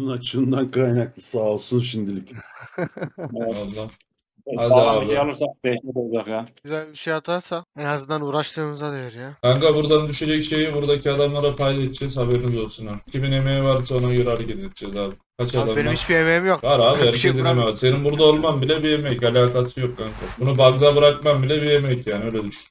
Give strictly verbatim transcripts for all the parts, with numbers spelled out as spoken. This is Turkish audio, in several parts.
Oyunun açığından kaynaklı sağ olsun şimdilik. Evet. Allah. Hadi Sağlam bir şey abi. alırsak dehşet olacak ya. Güzel bir şey atarsa en azından uğraştığımıza değer ya. Kanka buradan düşecek şeyi buradaki adamlara paylaşacağız, haberiniz olsun ha. Kimin emeği varsa ona göre hareket edeceğiz abi. Kaç Abi adam benim var? hiçbir emeğim yok. Var abi, Bir şey herkesin emeği vuramıyorum. var. Senin burada olman bile bir emek, alakası yok kanka. Bunu bug'da bırakman bile bir emek yani, öyle düşün.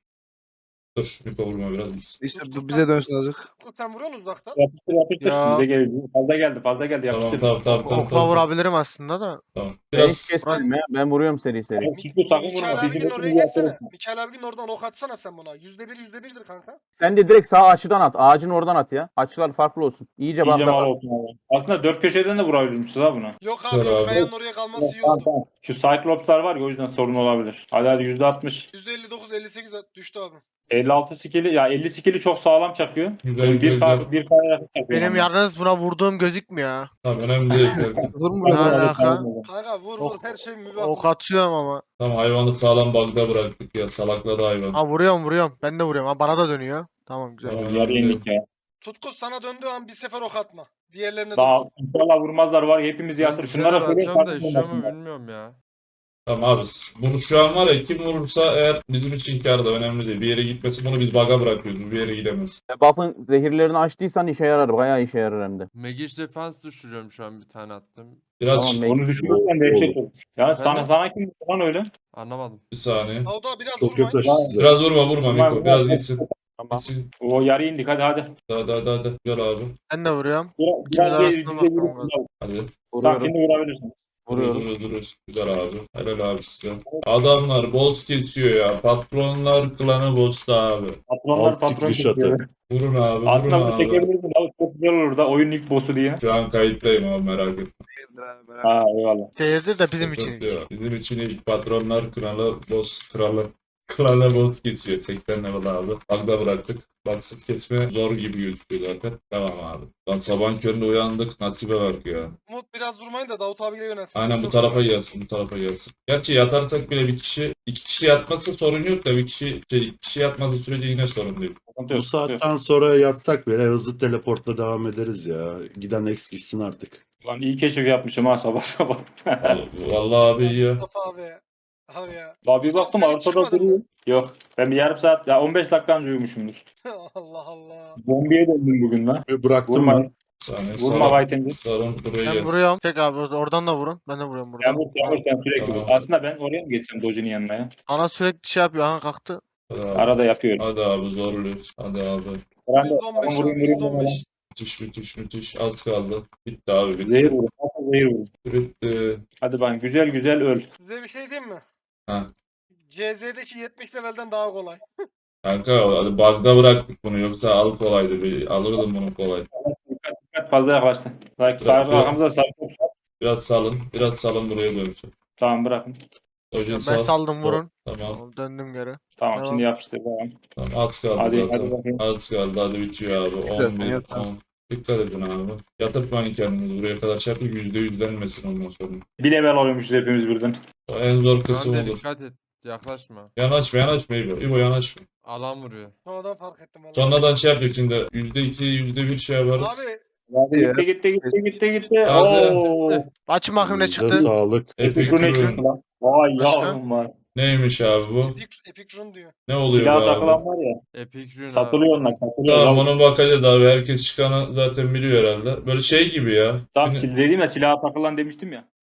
Dur, bir vurma biraz gitsin. İşte bu bize dönsün azıcık. Sen vuruyorsun uzaktan. Yapıştır yapıştır. Ya. Bize geldi. Fazla geldi fazla geldi Tamam yapıştır. tamam tamam tamam. Okla tamam, vurabilirim aslında da. tamam. Ben hiç Biraz kesmedim ya. Ben vuruyorum seri seri. Abi, Çünkü sakın vurma. Mikael Bizi abinin oraya bekleyin, geçsene. yapalım. Mikael abinin oradan ok atsana sen buna. Yüzde bir yüzde birdir kanka. Sen de direkt sağ açıdan at. Ağacın oradan at ya. Açılar farklı olsun. İyice İyice mal bağla. olsun abi. Aslında dört köşeden de vurabilirmişiz ha buna. Yok Dur abi yok. abi. Kayanın oraya kalması iyi Tamam, oldu. tamam. Şu Cyclops'lar var ya, o yüzden sorun olabilir. Hadi hadi yüzde altmış. yüzde elli dokuz elli sekiz düştü abi. elli altı skill'i ya elli skill'i çok sağlam çakıyor. Güzel, Yani bir güzel. K bir K'ya yakın çakıyor. Benim yani. yalnız buna vurduğum gözükmüyor ha. Tamam, önemli değil kanka. Sıfır mı Ne vuruyor? alaka? Kanka vur vur her şey mübah. Ok atıyorum ama. Tamam, hayvanı sağlam bug'da bıraktık ya, salakladı hayvan. Ha vuruyorum vuruyorum. Ben de vuruyorum. Ha bana da dönüyor. Tamam güzel. Tamam, Yarı önemli değil. yendik ya. Tutku sana döndüğü an bir sefer ok atma. Diğerlerine Daha dön. inşallah vurmazlar var ya, hepimizi Ben yatır. bir Şunlara şeyler söyle atacağım da sakın işiyor mu vurmasınlar. bilmiyorum ya. Tamam abi, bunu şu an var ya, kim vurursa eğer bizim için kâr da önemli değil. Bir yere gitmesi, bunu biz bug'a bırakıyoruz. Bir yere gidemez. Buff'ın zehirlerini açtıysan işe yarar. Bayağı işe yarar hem de. Magic Defense düşürüyorum şu an, bir tane attım. Biraz Tamam, Onu düşünürsen dehşet olur. Ya sana Efendim? sana kim lan öyle? Anlamadım. bir saniye. Davda biraz Çok vurmayın. yaklaştı size. Biraz vurma vurma Vurma, Miko. Biraz vurma. gitsin. Tamam. Gitsin. O yarı indik hadi hadi. Hadi hadi hadi. Gel abi. Ben de vuruyorum. Biraz, İkimiz biraz bir arasında bize bakalım vurursun abi. Hadi. Tamam Vuruyorum. şimdi vurabilirsin. Duruyor Vuruyorum. duruyor duruyor. Güzel abi. Helal abi size. Adamlar boss kesiyor ya. Patronlar klanı boss'ta abi. Patronlar Alt patron sikliş kesiyor. atı. Vurun abi. Vurun Aslında bunu abi. çekebilirsin abi. Çok güzel olur da oyunun ilk boss'u diye. Şu an kayıttayım abi, merak etme. Ha eyvallah. Değildir de bizim için. Sıkıntı yok. Bizim için ilk patronlar kralı boss kralı. Kralı boss kesiyor. seksen level abi. Bug'da bıraktık. Baksız kesme zor gibi gözüküyor zaten. Tamam abi. Lan sabah köründe uyandık. Nasibe bak ya. Umut biraz vurmayın da Davut abiyle yönelsin. Aynen bu Çok tarafa yönelsin. gelsin, bu tarafa gelsin. Gerçi yatarsak bile bir kişi, iki kişi yatmasa sorun yok da bir kişi, şey, iki kişi yatmadığı sürece yine sorun değil. Sıkıntı yok, Bu sıkıntı yok. saatten sonra yatsak bile hızlı teleportla devam ederiz ya. Giden X gitsin artık. Lan iyi keşif yapmışım ha sabah sabah. Vallahi, vallahi abi iyi ya. Mustafa abi. Abi ya. Daha bir Ulan baktım sen hiç arkada çıkmadın duruyor. Yok. Ben bir yarım saat, ya on beş dakika önce uyumuşumdur. Allah Allah. Zombiye döndüm bugün lan. Ve bıraktım Vurma. ben. Bir saniye. Vurma White'inci. Sarın buraya Ben gelsin. vuruyorum. Çek abi oradan da vurun. Ben de vuruyorum Sen buradan. vur, sen vur, sen sürekli Tamam. vur. Aslında ben oraya mı geçsem Doji'nin yanına ya? Ana sürekli şey yapıyor. Aha kalktı. Hadi abi. Arada yapıyorum. Hadi abi zorluyoruz. Hadi abi. Ben de yüzde on beş vurayım, abi vurayım, yüzde on beş. Müthiş müthiş müthiş. Az kaldı. Bitti abi bitti. Zehir vurun. Nasıl zehir vurun? Bitti. Hadi ben güzel güzel öl. Size bir şey diyeyim mi? Ha. C Z'deki yetmiş levelden daha kolay. Kanka hadi bug'da bıraktık bunu, yoksa al kolaydı. Bir, alırdım bunu kolay. Dikkat dikkat fazla yaklaştı. Like sağ Bırak, bırak. arkamıza sağ çok sağ. Biraz salın. Biraz salın, buraya dönüşün. Tamam bırakın. Hocam Ben sal. saldım vurun. Tamam. Tamam, döndüm geri. Tamam Tamam. şimdi yapıştır. Tamam. Tamam, az kaldı Hadi, zaten. hadi bakayım. Az kaldı, hadi bitiyor abi. on Zaten bir, yatar. on. Dikkat edin abi. Yatırtmayın kendinizi buraya kadar, şey yapın, yüzde yüzlenmesin ondan sonra. Bir level oluyormuşuz hepimiz birden. O en zor Şu kısım an olur. dikkat et. Yaklaşma. Yanaşma yanaşma İbo. İbo yanaşma. Alan vuruyor. Sonradan fark ettim valla. Sonradan şey yapıyor şimdi. Yüzde iki, yüzde bir şey yaparız. Abi Hadi ya. Gitti gitti gitti gitti gitti. Hadi. Oo. Açın bakayım ne Elinize çıktı. sağlık. Epic Bu ne Rune. çıktı lan? Vay Başka? yavrum var. Neymiş abi bu? Epic, Epic Run diyor. Ne oluyor Silah bu takılan abi? var ya. Epic Rune Satılıyor abi. onlar. Satılıyor. Tamam, Tamam, ona bakacağız abi. Herkes çıkanı zaten biliyor herhalde. Böyle şey gibi ya. tamam Yine- sil dediğim ya silaha takılan demiştim ya.